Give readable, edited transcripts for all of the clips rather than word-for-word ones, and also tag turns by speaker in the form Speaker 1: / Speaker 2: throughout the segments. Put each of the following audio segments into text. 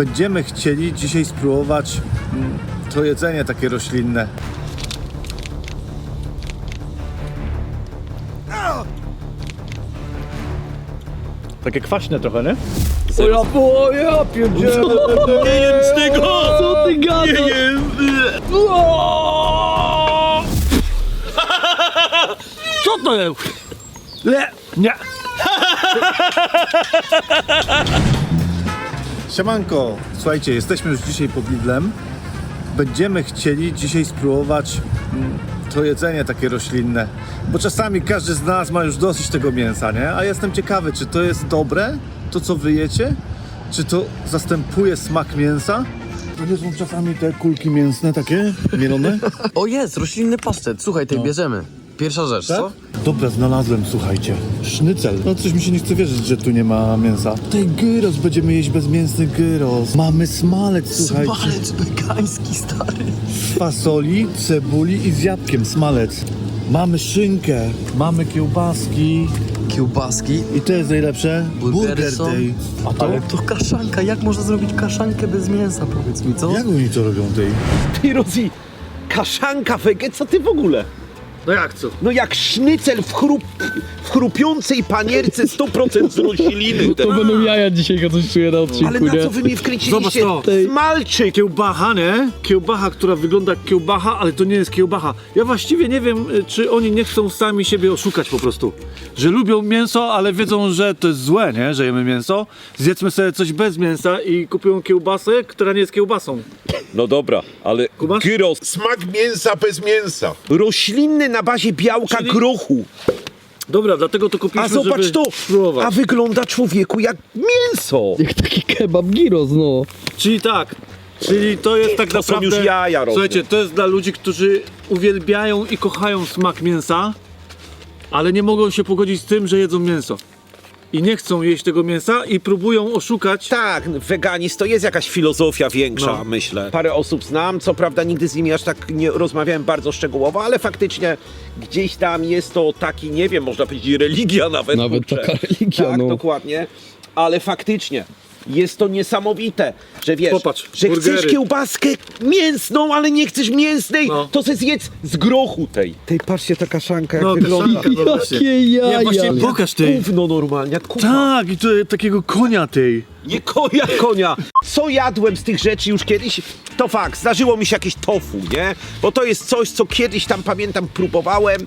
Speaker 1: Będziemy chcieli dzisiaj spróbować to jedzenie takie roślinne. Takie kwaśne trochę, nie?
Speaker 2: Ja pierdzielę!
Speaker 3: Nie jem z tego!
Speaker 2: Co ty gadasz?
Speaker 3: Nie jem!
Speaker 2: Co to jest? Nie!
Speaker 1: Siemanko! Słuchajcie, jesteśmy już dzisiaj pod Lidlem. Będziemy chcieli dzisiaj spróbować to jedzenie takie roślinne. Bo czasami każdy z nas ma już dosyć tego mięsa, nie? A jestem ciekawy, czy to jest dobre, to co wy jecie? Czy to zastępuje smak mięsa? To nie są czasami te kulki mięsne takie, mielone?
Speaker 2: O jest, roślinny pasztet. Słuchaj, tej bierzemy. Pierwsza rzecz, co?
Speaker 1: Dobra, znalazłem, słuchajcie. Sznycel. No coś mi się nie chce wierzyć, że tu nie ma mięsa. Tutaj gyros, będziemy jeść bezmięsny gyros. Mamy smalec, słuchajcie.
Speaker 2: Smalec wegański, stary.
Speaker 1: Z fasoli, cebuli i z jabłkiem, smalec. Mamy szynkę, mamy kiełbaski.
Speaker 2: Kiełbaski.
Speaker 1: I to jest najlepsze?
Speaker 2: Burgery są.
Speaker 1: Day. A to?
Speaker 2: Ale to kaszanka. Jak można zrobić kaszankę bez mięsa, powiedz mi, co?
Speaker 1: Jak oni to robią tej?
Speaker 3: Ty Rozi, kaszanka wege, co ty w ogóle?
Speaker 1: No jak co?
Speaker 3: No jak sznycel w chrupiącej panierce 100% z rośliny.
Speaker 2: To będą jaja dzisiaj, go coś czuję na odcinku,
Speaker 3: Ale na
Speaker 2: nie?
Speaker 3: co wy mnie wkręciliście?
Speaker 1: Zobacz to.
Speaker 3: Smalczyk!
Speaker 1: Kiełbacha, nie? Kiełbacha, która wygląda jak kiełbacha, ale to nie jest kiełbacha. Ja właściwie nie wiem, czy oni nie chcą sami siebie oszukać po prostu. Że lubią mięso, ale wiedzą, że to jest złe, nie? Że jemy mięso. Zjedzmy sobie coś bez mięsa i kupują kiełbasę, która nie jest kiełbasą.
Speaker 3: No dobra, ale
Speaker 1: Kubasz?
Speaker 3: gyros
Speaker 4: Smak mięsa bez mięsa.
Speaker 3: roślinny na bazie białka
Speaker 1: Czyli-
Speaker 3: grochu.
Speaker 1: Dobra, dlatego to kupiliśmy,
Speaker 3: A zobacz
Speaker 1: żeby
Speaker 3: to!
Speaker 1: spróbować.
Speaker 3: A wygląda człowieku jak mięso!
Speaker 2: Jak taki kebab gyros, no.
Speaker 1: Czyli tak. Czyli to jest tak
Speaker 3: To są
Speaker 1: naprawdę...
Speaker 3: już jaja, rozumiem.
Speaker 1: Słuchajcie, to jest dla ludzi, którzy uwielbiają i kochają smak mięsa, ale nie mogą się pogodzić z tym, że jedzą mięso. I nie chcą jeść tego mięsa i próbują oszukać.
Speaker 3: Tak, weganizm to jest jakaś filozofia większa,
Speaker 1: No.
Speaker 3: myślę. Parę osób znam, co prawda nigdy z nimi aż tak nie rozmawiałem bardzo szczegółowo, ale faktycznie gdzieś tam jest to taki, nie wiem, można powiedzieć religia nawet.
Speaker 2: Nawet
Speaker 3: kurczę.
Speaker 2: taka religia,
Speaker 3: Tak,
Speaker 2: no.
Speaker 3: dokładnie. Ale faktycznie jest to niesamowite, że wiesz,
Speaker 1: Popatrz,
Speaker 3: że
Speaker 1: burgery.
Speaker 3: chcesz kiełbaskę mięsną, ale nie chcesz mięsnej,
Speaker 1: No.
Speaker 3: to se zjedz z grochu tej. Tej, patrzcie, ta kaszanka jak
Speaker 1: No,
Speaker 3: wygląda.
Speaker 1: kaszanka, zobaczcie.
Speaker 2: Jakie jaja.
Speaker 1: Nie, właśnie pokaż tej.
Speaker 3: Gówno normalnie, jak kupa.
Speaker 1: Tak, i to takiego konia tej.
Speaker 3: Nie konia. Co jadłem z tych rzeczy już kiedyś? To fakt, zdarzyło mi się jakieś tofu, nie? Bo to jest coś, co kiedyś tam pamiętam próbowałem,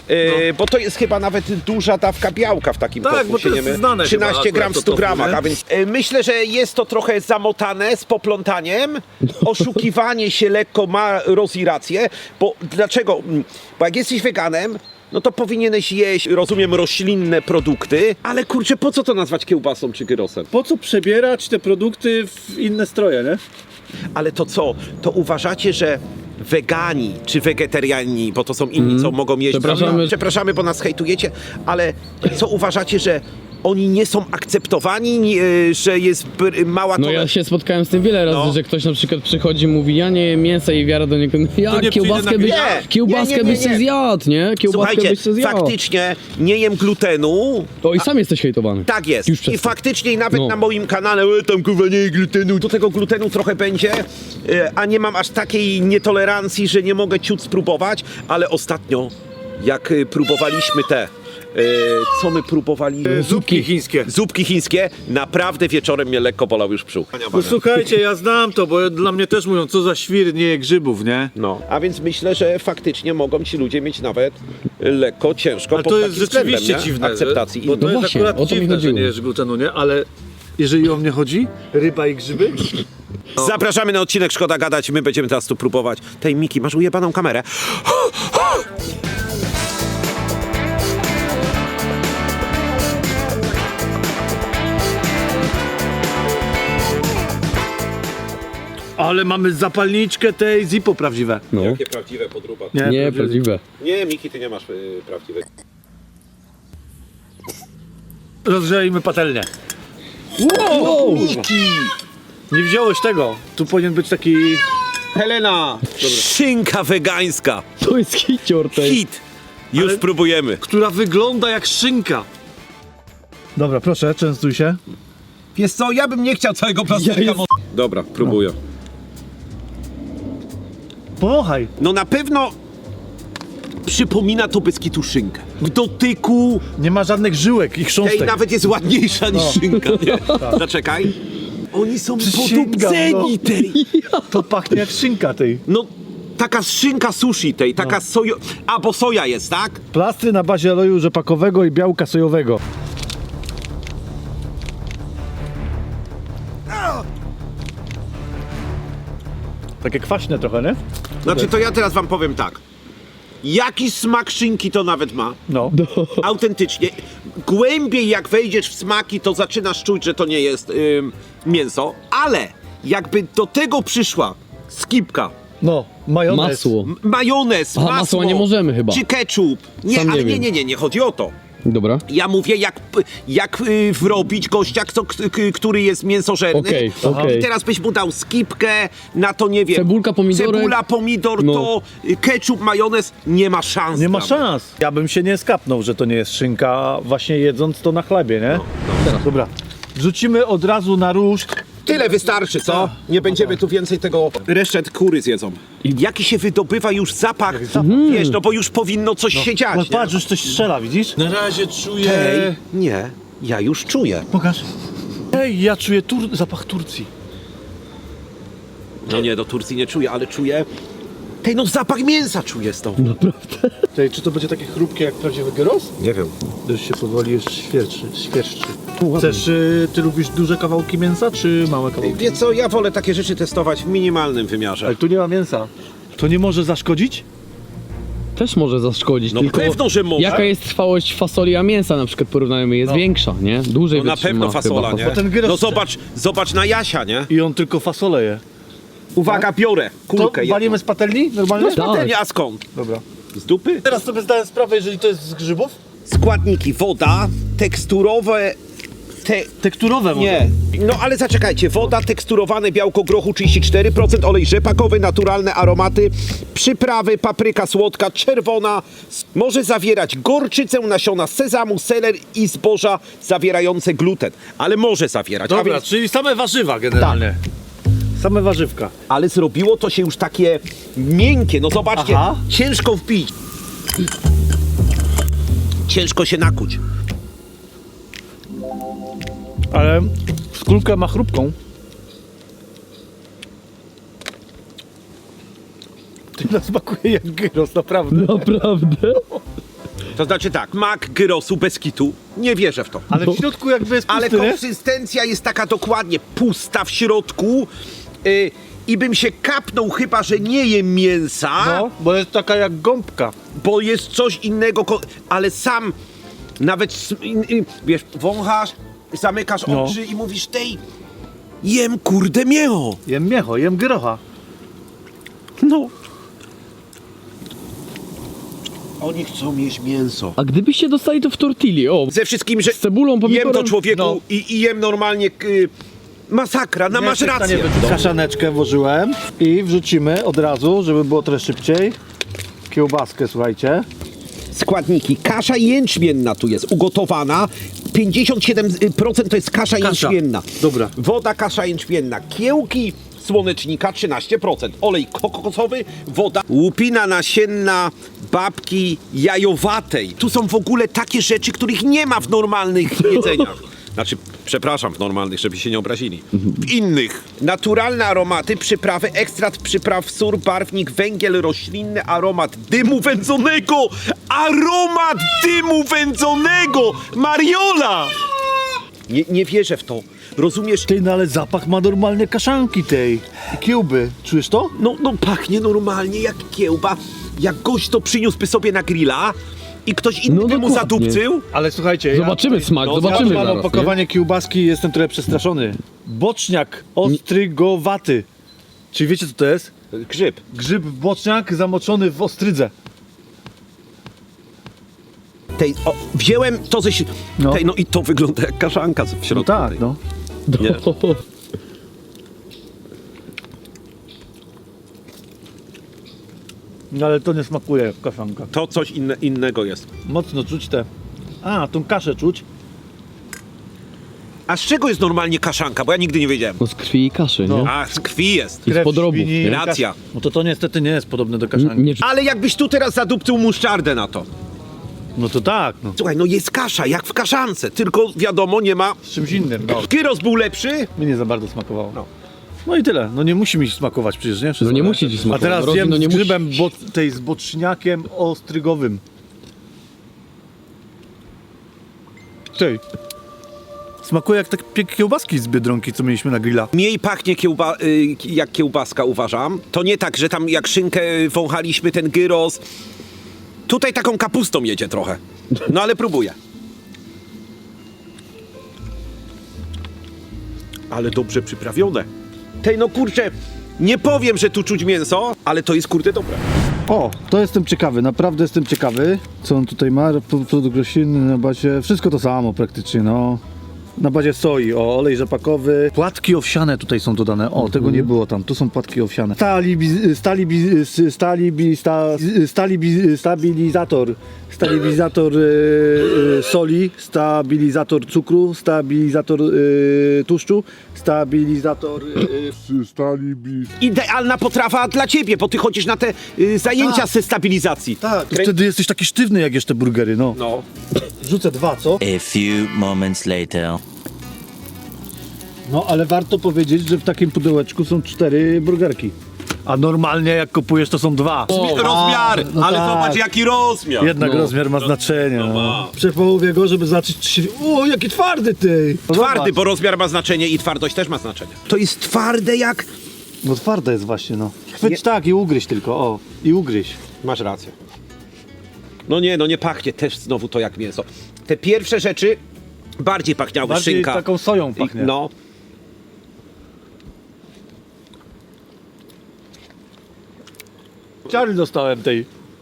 Speaker 3: bo to jest chyba nawet duża dawka białka w takim
Speaker 1: Tak,
Speaker 3: tofu.
Speaker 1: bo to jest znane
Speaker 3: 13
Speaker 1: chyba
Speaker 3: gram w
Speaker 1: akurat
Speaker 3: 100
Speaker 1: to tofu,
Speaker 3: gramach,
Speaker 1: nie?
Speaker 3: a więc myślę, że jest to trochę zamotane z poplątaniem, oszukiwanie się lekko ma Rozi rację, bo dlaczego? Bo jak jesteś weganem, no to powinieneś jeść, rozumiem, roślinne produkty, ale kurczę, po co to nazwać kiełbasą czy gyrosem?
Speaker 1: Po co przebierać te produkty w inne stroje, nie?
Speaker 3: Ale to co? To uważacie, że wegani czy wegetariani, bo to są inni, co mogą jeść... Przepraszamy, bo nas hejtujecie, ale co uważacie, że oni nie są akceptowani, że jest mała
Speaker 2: No ja się spotkałem z tym wiele razy,
Speaker 3: No.
Speaker 2: że ktoś na przykład przychodzi i mówi, ja nie jem mięsa i wiara do niego,
Speaker 1: To
Speaker 2: ja
Speaker 1: nie
Speaker 2: kiełbaskę
Speaker 1: przyjdę
Speaker 2: byś,
Speaker 1: na
Speaker 2: kiełbaskę
Speaker 3: Nie.
Speaker 2: byś se zjadł, nie? Kiełbaskę
Speaker 3: Słuchajcie,
Speaker 2: byś se zjadł.
Speaker 3: faktycznie nie jem glutenu.
Speaker 2: To i sam jesteś hejtowany.
Speaker 3: Tak jest.
Speaker 2: Już przez
Speaker 3: I
Speaker 2: to.
Speaker 3: faktycznie i nawet
Speaker 2: No.
Speaker 3: na moim kanale tam kurwa nie je glutenu. Do tego glutenu trochę będzie, a nie mam aż takiej nietolerancji, że nie mogę ciut spróbować, ale ostatnio jak próbowaliśmy te co my próbowaliśmy?
Speaker 1: Zupki chińskie.
Speaker 3: Zupki chińskie, naprawdę wieczorem mnie lekko bolał już brzuch.
Speaker 1: No słuchajcie, ja znam to, bo dla mnie też mówią, co za świr, nie je grzybów, nie?
Speaker 3: No, a więc myślę, że faktycznie mogą ci ludzie mieć nawet lekko ciężko
Speaker 1: Ale
Speaker 3: pod
Speaker 1: to
Speaker 3: takim
Speaker 1: jest rzeczywiście
Speaker 3: względem, nie?
Speaker 1: dziwne,
Speaker 3: Akceptacji
Speaker 1: bo to
Speaker 3: innych.
Speaker 1: jest
Speaker 2: właśnie,
Speaker 1: akurat
Speaker 2: o to mi
Speaker 1: dziwne, że
Speaker 2: chodziło.
Speaker 1: nie jesz glutenu, nie? Ale jeżeli o mnie chodzi, ryba i grzyby,
Speaker 3: Zapraszamy na odcinek Szkoda Gadać, my będziemy teraz tu próbować. Tej Miki, masz ujebaną kamerę.
Speaker 1: ale mamy zapalniczkę tej Zippo prawdziwe.
Speaker 2: No,
Speaker 3: Jakie prawdziwe podróba.
Speaker 2: nie, prawdziwe.
Speaker 3: Nie, Miki, ty nie masz prawdziwej.
Speaker 1: Rozgrzejmy patelnię.
Speaker 2: Wow!
Speaker 1: Nie wziąłeś tego. Tu powinien być taki...
Speaker 3: Helena! Szynka wegańska.
Speaker 2: To jest hicior tej.
Speaker 3: Hit. Już
Speaker 1: Ale-
Speaker 3: próbujemy.
Speaker 1: która wygląda jak szynka. Dobra, proszę, częstuj się.
Speaker 3: Wiesz co, ja bym nie chciał całego plasterka. Dobra, próbuję.
Speaker 1: Powąchaj.
Speaker 3: No na pewno przypomina to bez kitu szynkę. W dotyku
Speaker 1: Nie ma żadnych żyłek i
Speaker 3: tej
Speaker 1: chrząstek.
Speaker 3: nawet jest ładniejsza niż szynka, nie? Zaczekaj. Oni są
Speaker 1: Przysięgam,
Speaker 3: podupceni
Speaker 1: no.
Speaker 3: tej.
Speaker 1: To pachnie jak szynka tej.
Speaker 3: No, taka szynka sushi tej, taka sojo... A, bo soja jest, tak?
Speaker 1: Plastry na bazie oleju rzepakowego i białka sojowego. Takie kwaśne trochę, nie?
Speaker 3: Znaczy, to ja teraz wam powiem tak. Jaki smak szynki to nawet ma?
Speaker 1: No.
Speaker 3: Autentycznie. Głębiej jak wejdziesz w smaki, to zaczynasz czuć, że to nie jest mięso, ale jakby do tego przyszła skipka,
Speaker 1: No, majonez.
Speaker 2: Masło.
Speaker 3: majonez,
Speaker 2: Aha,
Speaker 3: masło,
Speaker 2: masła nie możemy chyba.
Speaker 3: czy ketchup. Nie,
Speaker 2: Sam nie
Speaker 3: ale
Speaker 2: wiem.
Speaker 3: nie chodzi o to.
Speaker 2: Dobra.
Speaker 3: Ja mówię, jak wrobić gościa, który jest mięsożerny.
Speaker 2: Okej,
Speaker 3: I
Speaker 2: okej.
Speaker 3: teraz byś mu dał skipkę, na to nie wiem.
Speaker 2: Cebulka, pomidorek.
Speaker 3: Cebula, pomidor,
Speaker 2: No.
Speaker 3: to ketchup, majonez. Nie ma szans.
Speaker 1: Nie ma
Speaker 3: dla mnie.
Speaker 1: szans. Ja bym się nie skapnął, że to nie jest szynka, właśnie jedząc to na chlebie, nie? Dobra. Wrzucimy od razu na różdż.
Speaker 3: Tyle wystarczy, co? Nie będziemy tu więcej tego... Resztet kury zjedzą. Jaki się wydobywa już zapach, wiesz, no bo już powinno coś się
Speaker 1: No
Speaker 3: dziać.
Speaker 1: patrz, już coś strzela, widzisz?
Speaker 4: Na razie czuję...
Speaker 3: Ej, nie, ja już czuję.
Speaker 1: Pokaż. Ej, ja czuję zapach Turcji.
Speaker 3: No nie, do Turcji nie czuję, ale czuję... Tej, no zapach mięsa czuję z tą.
Speaker 1: Tej, czy to będzie takie chrupkie jak prawdziwy gyros?
Speaker 3: Nie wiem.
Speaker 1: Już się powoli już świerszczy. Chcesz, ty lubisz duże kawałki mięsa, czy małe kawałki?
Speaker 3: Wie co, ja wolę takie rzeczy testować w minimalnym wymiarze.
Speaker 1: Ale tu nie ma mięsa. To nie może zaszkodzić?
Speaker 2: Też może zaszkodzić,
Speaker 3: No
Speaker 2: tylko
Speaker 3: pewno, że może.
Speaker 2: jaka jest trwałość fasoli a mięsa na przykład porównajmy, jest większa, nie? Dłużej
Speaker 3: No na
Speaker 2: wytrzyma
Speaker 3: pewno fasola,
Speaker 2: chyba.
Speaker 3: nie?
Speaker 1: Bo ten gyros-
Speaker 3: No zobacz na Jasia, nie?
Speaker 1: I on tylko fasolę je.
Speaker 3: Uwaga, biorę
Speaker 1: To
Speaker 3: kulkę jedną.
Speaker 1: walimy z patelni normalnie?
Speaker 3: No z patelni, a skąd?
Speaker 1: Dobra.
Speaker 3: Z dupy?
Speaker 1: Teraz sobie zdałem sprawę, jeżeli to jest z grzybów?
Speaker 3: Składniki, woda, teksturowe...
Speaker 1: Tekturowe może.
Speaker 3: Nie. No ale zaczekajcie, woda, teksturowane białko grochu 34%, olej rzepakowy, naturalne aromaty, przyprawy, papryka słodka, czerwona, może zawierać gorczycę, nasiona sezamu, seler i zboża zawierające gluten. Ale może zawierać.
Speaker 1: Dobra,
Speaker 3: A więc,
Speaker 1: czyli same warzywa generalnie. Same warzywka.
Speaker 3: ale zrobiło to się już takie miękkie, no zobaczcie,
Speaker 1: Aha.
Speaker 3: ciężko wbić. Ciężko się nakuć.
Speaker 1: Ale skórkę ma chrupką. Ty nas smakuje jak gyros, naprawdę.
Speaker 2: Naprawdę?
Speaker 3: To znaczy tak, mak gyrosu bez kitu, nie wierzę w to.
Speaker 1: Ale w środku jakby jest
Speaker 3: Ale
Speaker 1: pusty, nie?
Speaker 3: konsystencja jest taka dokładnie pusta w środku i bym się kapnął, chyba że nie jem mięsa,
Speaker 1: No, bo jest taka jak gąbka.
Speaker 3: bo jest coś innego, ale sam nawet, wiesz, wąchasz, zamykasz
Speaker 1: No.
Speaker 3: oczy i mówisz, tej, jem kurde mięcho.
Speaker 1: Jem miecho, jem gyrocha.
Speaker 3: No. Oni chcą mieć mięso.
Speaker 2: A gdybyście dostali to w tortilli, o,
Speaker 3: Ze wszystkim, że
Speaker 2: z cebulą,
Speaker 3: jem
Speaker 2: pomidorem,
Speaker 3: to człowieku
Speaker 1: no.
Speaker 3: i jem normalnie, masakra, no masz rację.
Speaker 1: Kaszaneczkę włożyłem i wrzucimy od razu, żeby było trochę szybciej. Kiełbaskę, słuchajcie.
Speaker 3: Składniki. Kasza jęczmienna tu jest ugotowana. 57% to jest kasza jęczmienna.
Speaker 1: Dobra.
Speaker 3: Woda, kasza jęczmienna. Kiełki słonecznika 13%. Olej kokosowy, woda. Łupina nasienna babki jajowatej. Tu są w ogóle takie rzeczy, których nie ma w normalnych jedzeniach. Znaczy, przepraszam, w normalnych, żeby się nie obrazili. W innych. Naturalne aromaty, przyprawy, ekstrakt przypraw, sór, barwnik, węgiel roślinny, aromat dymu wędzonego! Aromat dymu wędzonego! Mariola! Nie wierzę w to. Rozumiesz?
Speaker 1: Ty, no ale zapach ma normalnie kaszanki tej. I kiełby. Czujesz to?
Speaker 3: No pachnie normalnie jak kiełba. Jak gość to przyniósłby sobie na grilla i ktoś inny
Speaker 2: No
Speaker 3: by mu
Speaker 2: dokładnie.
Speaker 3: zadupcył.
Speaker 1: Ale słuchajcie,
Speaker 2: Zobaczymy smak,
Speaker 3: no,
Speaker 2: zobaczymy
Speaker 1: ja mam
Speaker 2: zaraz,
Speaker 1: opakowanie kiełbaski i jestem trochę przestraszony. Boczniak ostrygowaty. Czyli wiecie co to jest?
Speaker 3: Grzyb.
Speaker 1: Grzyb boczniak zamoczony w ostrydze.
Speaker 3: Wziąłem to ze...
Speaker 1: No.
Speaker 3: No i to wygląda jak kaszanka w środku. tej.
Speaker 1: no.
Speaker 3: Nie.
Speaker 1: No ale to nie smakuje jak kaszanka.
Speaker 3: To coś innego jest.
Speaker 1: Mocno czuć te... A, tą kaszę czuć.
Speaker 3: A z czego jest normalnie kaszanka? Bo ja nigdy nie wiedziałem.
Speaker 2: No z krwi i kaszy, nie?
Speaker 3: A, z krwi jest.
Speaker 2: I z podrobów.
Speaker 1: świni,
Speaker 2: nie?
Speaker 3: Racja.
Speaker 1: No to niestety nie jest podobne do kaszanki.
Speaker 2: Nie,
Speaker 3: Ale jakbyś tu teraz zadupcył muszczardę na to.
Speaker 1: No to tak, no.
Speaker 3: Słuchaj, no jest kasza, jak w kaszance, tylko wiadomo, nie ma...
Speaker 1: Z czymś innym, no.
Speaker 3: Gyros był lepszy,
Speaker 1: Mi nie za bardzo smakowało.
Speaker 3: No.
Speaker 1: No i tyle. No nie musi mi smakować przecież, nie?
Speaker 2: No nie musi ci smakować.
Speaker 1: A teraz
Speaker 2: Robi,
Speaker 1: jem
Speaker 2: no nie
Speaker 1: z
Speaker 2: musi.
Speaker 1: grzybem tej z boczniakiem ostrygowym. Tej. Smakuje jak takie kiełbaski z Biedronki, co mieliśmy na grilla.
Speaker 3: mniej pachnie jak kiełbaska, uważam. To nie tak, że tam jak szynkę wąchaliśmy ten gyros. Tutaj taką kapustą jedzie trochę. No ale próbuję. Ale dobrze przyprawione. Tej no kurczę, nie powiem, że tu czuć mięso, ale to jest kurde dobre.
Speaker 1: O, to jestem ciekawy, naprawdę jestem ciekawy, co on tutaj ma. Produkt roślinny na bazie, wszystko to samo praktycznie, no. Na bazie soi, o, olej rzepakowy. Płatki owsiane tutaj są dodane, o, tego nie było tam, tu są płatki owsiane. Stabilizator soli, stabilizator cukru, stabilizator tłuszczu, stabilizator...
Speaker 3: Idealna potrawa dla ciebie, bo ty chodzisz na te zajęcia ze stabilizacji.
Speaker 1: Tak, wtedy jesteś taki sztywny, jak jesz te burgery, no.
Speaker 3: No.
Speaker 1: Rzucę 2, co?
Speaker 5: A few moments later.
Speaker 1: No, ale warto powiedzieć, że w takim pudełeczku są 4 burgerki. A normalnie jak kupujesz, to są 2.
Speaker 3: Rozmiar,
Speaker 1: no
Speaker 3: ale
Speaker 1: tak.
Speaker 3: zobacz jaki rozmiar.
Speaker 1: Jednak rozmiar ma znaczenie. No. Przepołowię go, żeby zobaczyć, czy... O, jaki twardy ty! No
Speaker 3: Twardy,
Speaker 1: zobacz.
Speaker 3: bo rozmiar ma znaczenie i twardość też ma znaczenie. To jest twarde jak...
Speaker 1: No twarde jest właśnie, no. Chwyć
Speaker 3: Nie-
Speaker 1: tak i ugryź tylko, o. I ugryź.
Speaker 3: Masz rację. No nie pachnie też znowu to jak mięso. Te pierwsze rzeczy bardziej pachniały,
Speaker 1: Bardziej
Speaker 3: szynka.
Speaker 1: taką soją pachnie.
Speaker 3: No.
Speaker 1: Ciary dostałem tej.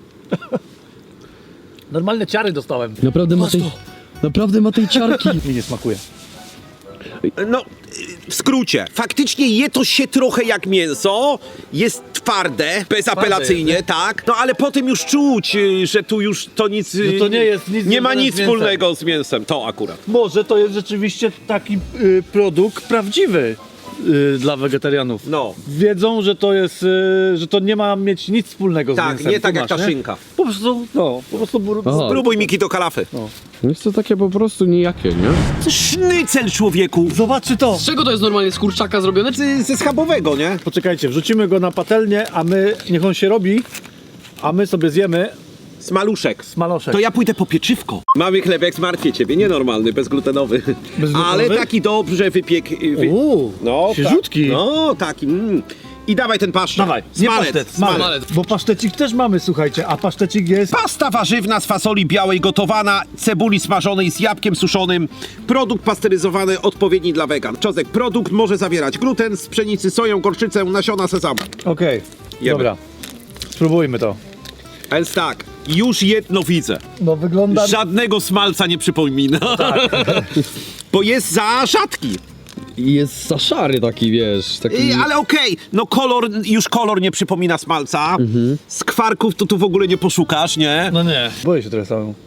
Speaker 1: Normalne ciary dostałem.
Speaker 2: Naprawdę ma tej ciarki.
Speaker 1: Mi nie smakuje.
Speaker 3: No, w skrócie, faktycznie je to się trochę jak mięso, jest twarde, bezapelacyjnie, tak, no ale potem już czuć, że tu już to nic,
Speaker 1: Że to nie jest nic
Speaker 3: nie ma
Speaker 1: związane
Speaker 3: nic
Speaker 1: z mięsem.
Speaker 3: wspólnego z mięsem, to akurat.
Speaker 1: Może to jest rzeczywiście taki produkt prawdziwy dla wegetarianów.
Speaker 3: No.
Speaker 1: Wiedzą, że to jest, że to nie ma mieć nic wspólnego z
Speaker 3: Tak,
Speaker 1: mięsem.
Speaker 3: nie tak jak
Speaker 1: Kumasz,
Speaker 3: ta
Speaker 1: nie?
Speaker 3: szynka.
Speaker 1: Po prostu, no, po prostu
Speaker 2: Aha.
Speaker 3: Spróbuj Miki do kalafy.
Speaker 2: Jest to takie po prostu nijakie, nie?
Speaker 3: Sznycel, człowieku!
Speaker 1: Zobaczcie to!
Speaker 2: Z czego to jest normalnie? Z kurczaka zrobione? Czy...
Speaker 3: Ze schabowego, nie?
Speaker 1: Poczekajcie, wrzucimy go na patelnię, a my, niech on się robi, a my sobie zjemy
Speaker 3: Smaluszek.
Speaker 1: smaloszek.
Speaker 3: To ja pójdę po pieczywko. Mamy chlebek, zmartwię ciebie, nienormalny, bezglutenowy.
Speaker 1: Bezglutenowy?
Speaker 3: Ale taki dobrze
Speaker 1: Uuu,
Speaker 3: No,
Speaker 1: świeżutki.
Speaker 3: Tak. No, taki. I dawaj ten paszczet.
Speaker 1: Dawaj, nie
Speaker 3: Smalec,
Speaker 1: pasztet,
Speaker 3: smalec.
Speaker 1: smalec. Bo pasztecik też mamy, słuchajcie, a pasztecik jest...
Speaker 3: Pasta warzywna z fasoli białej gotowana, cebuli smażonej z jabłkiem suszonym, produkt pasteryzowany odpowiedni dla wegan. Czosnek, produkt może zawierać gluten z pszenicy, soję, gorczycę, nasiona sezamu.
Speaker 1: Okej,
Speaker 3: Jemy.
Speaker 1: dobra. Spróbujmy to.
Speaker 3: A więc tak, już jedno widzę.
Speaker 1: No wygląda...
Speaker 3: Żadnego smalca nie przypomina. Bo jest za rzadki.
Speaker 2: Jest za szary taki, wiesz, taki...
Speaker 3: Ale okej, no kolor nie przypomina smalca. Skwarków to tu w ogóle nie poszukasz, nie?
Speaker 1: No nie. Boję się trochę samemu.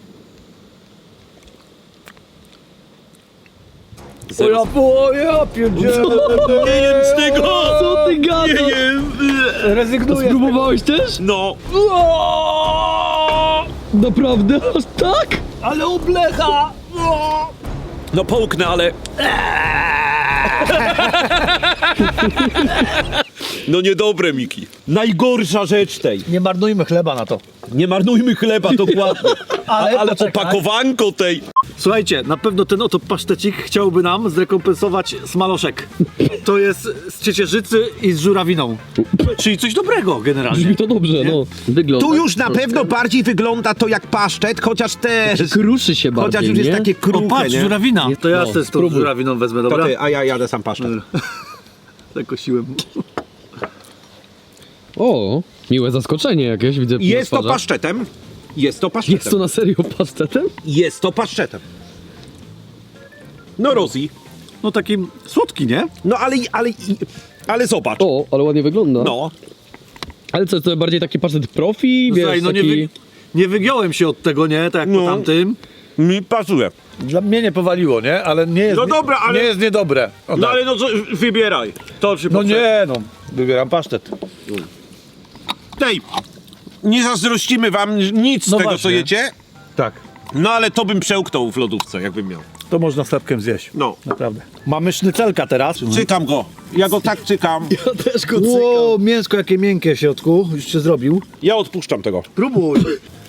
Speaker 1: Ja pierdzielę.
Speaker 3: Nie jem z tego!
Speaker 2: Co ty gadasz?
Speaker 3: Nie jem!
Speaker 1: Rezygnuję.
Speaker 2: Spróbowałeś też?
Speaker 3: No.
Speaker 2: Naprawdę? Aż tak?
Speaker 1: Ale oblecha!
Speaker 3: No połknę, ale... No niedobre, Miki. Najgorsza rzecz tej.
Speaker 1: Nie marnujmy chleba na to.
Speaker 3: Nie marnujmy chleba, dokładnie. Ale
Speaker 1: poczekaj.
Speaker 3: opakowanko tej.
Speaker 1: Słuchajcie, na pewno ten oto pasztecik chciałby nam zrekompensować smaloszek. To jest z ciecierzycy i z żurawiną. Czyli coś dobrego generalnie.
Speaker 2: Brzmi to dobrze, no. Wygląda.
Speaker 3: Tu już na pewno bardziej wygląda to jak paszczet, chociaż też...
Speaker 2: Kruszy się bardziej,
Speaker 3: Chociaż już jest
Speaker 2: nie?
Speaker 3: takie
Speaker 1: O,
Speaker 3: kruche,
Speaker 1: patrz,
Speaker 3: nie?
Speaker 1: żurawina. To ja
Speaker 2: No,
Speaker 1: też z tą
Speaker 2: spróbuj.
Speaker 1: żurawiną wezmę,
Speaker 3: To
Speaker 1: dobra?
Speaker 3: ty, a ja jadę sam pasztet.
Speaker 1: Zakosiłem.
Speaker 2: O, miłe zaskoczenie jakieś, widzę.
Speaker 3: Jest
Speaker 2: na
Speaker 3: to
Speaker 2: twarzach.
Speaker 3: paszczetem. Jest to paszczetem.
Speaker 2: Jest to na serio pasztetem?
Speaker 3: Jest to paszczetem. No Rozi.
Speaker 1: No taki słodki, nie?
Speaker 3: No ale zobacz.
Speaker 2: O, ale ładnie wygląda.
Speaker 3: No.
Speaker 2: Ale co, to bardziej taki pasztet profi, wiesz,
Speaker 1: Słuchaj, no
Speaker 2: taki...
Speaker 1: nie wygiąłem się od tego, nie? Tak jak
Speaker 3: No.
Speaker 1: po tamtym.
Speaker 3: Mi pasuje.
Speaker 1: Dla mnie nie powaliło, nie? Ale nie jest,
Speaker 3: No dobra, ale-
Speaker 1: nie jest niedobre. O,
Speaker 3: No
Speaker 1: tak.
Speaker 3: ale no co, wybieraj. To czy
Speaker 1: No nie, no. Wybieram pasztet.
Speaker 3: Tej, nie zazdrościmy wam nic z
Speaker 1: No
Speaker 3: tego,
Speaker 1: właśnie.
Speaker 3: co jecie.
Speaker 1: Tak.
Speaker 3: No ale to bym przełknął w lodówce, jakbym miał.
Speaker 1: To można chlebkiem zjeść.
Speaker 3: No.
Speaker 1: Naprawdę. Mamy sznycelka teraz.
Speaker 3: Cykam go. Ja go tak cykam.
Speaker 1: Ja też go Ło, mięsko jakie miękkie w środku. Już się zrobił.
Speaker 3: Ja odpuszczam tego.
Speaker 1: Próbuj.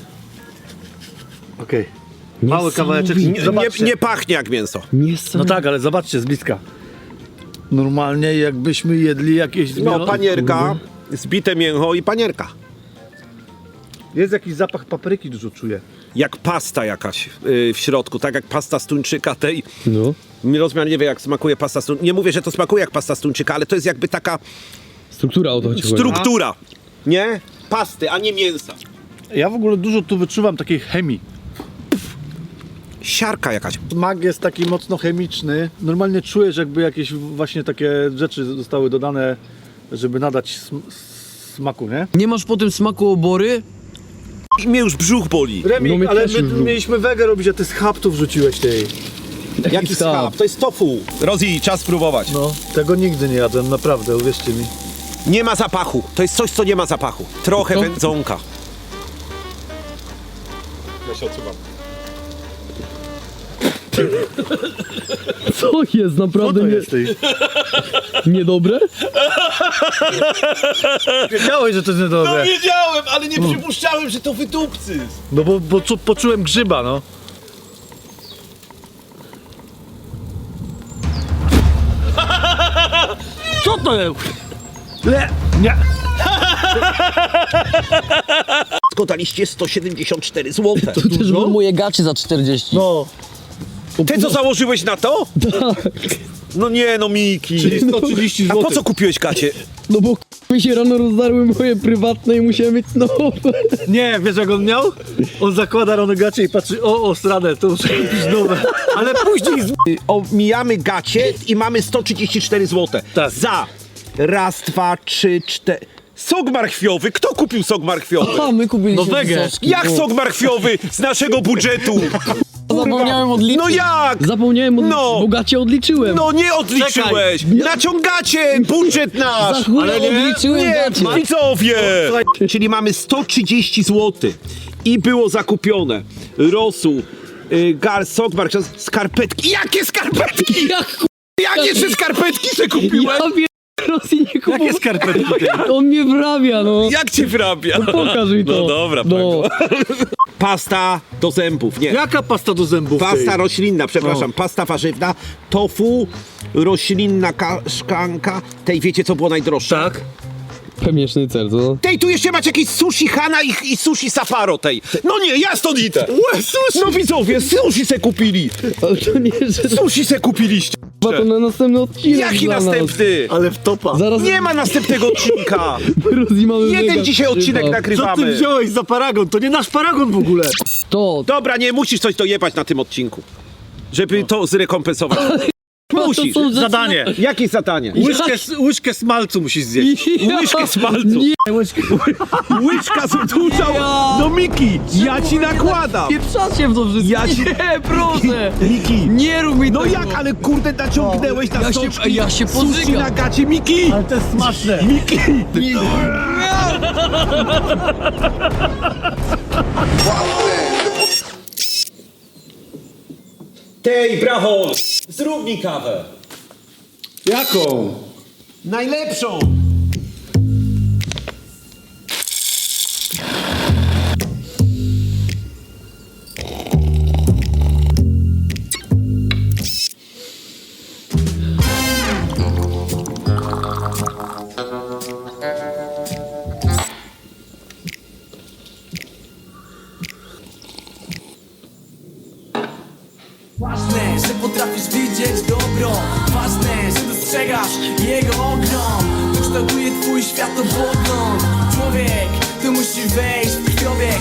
Speaker 1: Okej. Mały kawałeczek. Zobaczcie.
Speaker 3: Nie pachnie jak mięso.
Speaker 1: No tak, ale zobaczcie z bliska. Normalnie jakbyśmy jedli jakieś...
Speaker 3: No, panierka, zbite mięcho i panierka.
Speaker 1: Jest jakiś zapach papryki, dużo czuję.
Speaker 3: Jak pasta jakaś w środku, tak jak pasta z tuńczyka tej.
Speaker 2: No.
Speaker 3: Rozmiar nie wie jak smakuje pasta z tuńczyka. Nie mówię, że to smakuje jak pasta z tuńczyka, ale to jest jakby taka
Speaker 2: Struktura o to chodzi.
Speaker 3: struktura, nie? Pasty, a nie mięsa.
Speaker 1: Ja w ogóle dużo tu wyczuwam takiej chemii.
Speaker 3: Siarka jakaś.
Speaker 1: Smak jest taki mocno chemiczny. Normalnie czujesz, jakby jakieś właśnie takie rzeczy zostały dodane, żeby nadać smaku, nie?
Speaker 2: Nie masz po tym smaku obory?
Speaker 3: I mnie już brzuch boli.
Speaker 1: Remi,
Speaker 2: No mnie
Speaker 1: ale
Speaker 2: też
Speaker 1: my
Speaker 2: już było.
Speaker 1: mieliśmy wegę robić, a ty schab tu wrzuciłeś tej.
Speaker 3: Jaki schab? To jest tofu. Rozi, czas spróbować.
Speaker 1: No, tego nigdy nie jadłem, naprawdę, uwierzcie mi.
Speaker 3: Nie ma zapachu. To jest coś, co nie ma zapachu. Trochę
Speaker 2: To-
Speaker 3: wędzonka. Ja się odsuwam.
Speaker 2: Co jest? Naprawdę niedobre?
Speaker 1: Wiedziałeś, że to jest niedobre.
Speaker 3: Wiedziałem, ale nie przypuszczałem, że to wydupcy.
Speaker 1: No bo poczułem grzyba, no. Co to jest? Nie.
Speaker 3: Daliście 174 zł.
Speaker 2: To też były moje gacie za 40.
Speaker 1: No,
Speaker 3: Ty co założyłeś na to? No nie, no Miki.
Speaker 1: czyli 130
Speaker 3: A
Speaker 1: zł.
Speaker 3: po co kupiłeś gacie?
Speaker 2: No bo mi się rano rozdarły moje prywatne i musiałem mieć nowe.
Speaker 1: Nie, wiesz jak on miał? On zakłada ronogacie i patrzy, o, stradę, to muszę kupić nowe. Ale później
Speaker 3: Omijamy gacie i mamy 134 zł.
Speaker 1: Tak.
Speaker 3: Za raz, dwa, trzy, cztery. Sok marchwiowy. Kto kupił sok marchwiowy?
Speaker 2: A, my kupiliśmy
Speaker 1: No wege.
Speaker 2: soczki.
Speaker 3: Jak sok marchwiowy z naszego budżetu?
Speaker 2: Zapomniałem odliczyć.
Speaker 3: No jak?
Speaker 2: Zapomniałem odliczyć,
Speaker 3: No.
Speaker 2: bo gacie odliczyłem.
Speaker 3: No nie odliczyłeś! Naciągacie budżet
Speaker 2: Za
Speaker 3: nasz!
Speaker 2: chuj
Speaker 1: ale nie.
Speaker 2: odliczyłem
Speaker 3: Nie,
Speaker 2: gacie.
Speaker 3: widzowie! Czyli mamy 130 zł i było zakupione rosół, sok marchwiowy, skarpetki. Jakie skarpetki?
Speaker 2: Jak
Speaker 3: Jakie trzy skarpetki se kupiłem?
Speaker 2: ja wiem, Rosji nie kupował.
Speaker 1: jakie skarpetki ty?
Speaker 2: On mnie wrabia, no.
Speaker 3: Jak cię wrabia?
Speaker 2: Pokaż mi to.
Speaker 3: No dobra,
Speaker 2: no.
Speaker 3: Pasta do zębów, nie.
Speaker 1: Jaka pasta do zębów?
Speaker 3: Pasta
Speaker 1: tej?
Speaker 3: roślinna, przepraszam, pasta warzywna, tofu, roślinna szklanka. Tej wiecie co było najdroższe?
Speaker 1: Tak.
Speaker 2: Pewnie sznycel, co?
Speaker 3: Tej, tu jeszcze macie jakieś sushi Hana i sushi Safaro tej. No nie, ja stąd idę. No widzowie, sushi se kupili.
Speaker 2: Ale to nie, że
Speaker 3: Sushi se kupiliście.
Speaker 2: to na następny odcinek
Speaker 3: Jaki
Speaker 2: dla nas.
Speaker 3: następny?
Speaker 1: Ale w topa.
Speaker 2: Zaraz
Speaker 3: Nie ma następnego odcinka.
Speaker 2: Rosji mamy
Speaker 3: Jeden
Speaker 2: mega
Speaker 3: dzisiaj odcinek
Speaker 2: krzywa.
Speaker 1: Co ty
Speaker 3: nagrywamy.
Speaker 1: wziąłeś za paragon? To nie nasz paragon w ogóle.
Speaker 2: To,
Speaker 3: Dobra, nie musisz coś dojebać na tym odcinku, żeby to zrekompensować. Musisz.
Speaker 2: to są rzeczy-
Speaker 1: Zadanie.
Speaker 3: Jakie zadanie?
Speaker 1: Łyżkę smalcu musisz zjeść.
Speaker 3: Łyżkę smalcu.
Speaker 2: Nie,
Speaker 3: Łyżka z dużą. No Miki, ja ci nakładam.
Speaker 2: pieprzacie w to wszystko.
Speaker 3: Ja ci-
Speaker 2: Nie, proszę.
Speaker 3: Miki.
Speaker 2: Nie rób mi
Speaker 3: No
Speaker 2: tego.
Speaker 3: jak, ale kurde naciągnęłeś na
Speaker 2: Ja się-
Speaker 3: soczki.
Speaker 2: ja się
Speaker 3: Sushi
Speaker 2: podżygam.
Speaker 3: na gacie, Miki.
Speaker 1: Ale to jest smaczne.
Speaker 3: Miki. Tej, brachol, zrób mi kawę.
Speaker 1: Jaką?
Speaker 3: Najlepszą.
Speaker 6: Ważne, że potrafisz widzieć dobro. Ważne, że dostrzegasz jego ogrom. To kształtuje twój światopogląd. Człowiek, tu musi wejść w krwiobieg.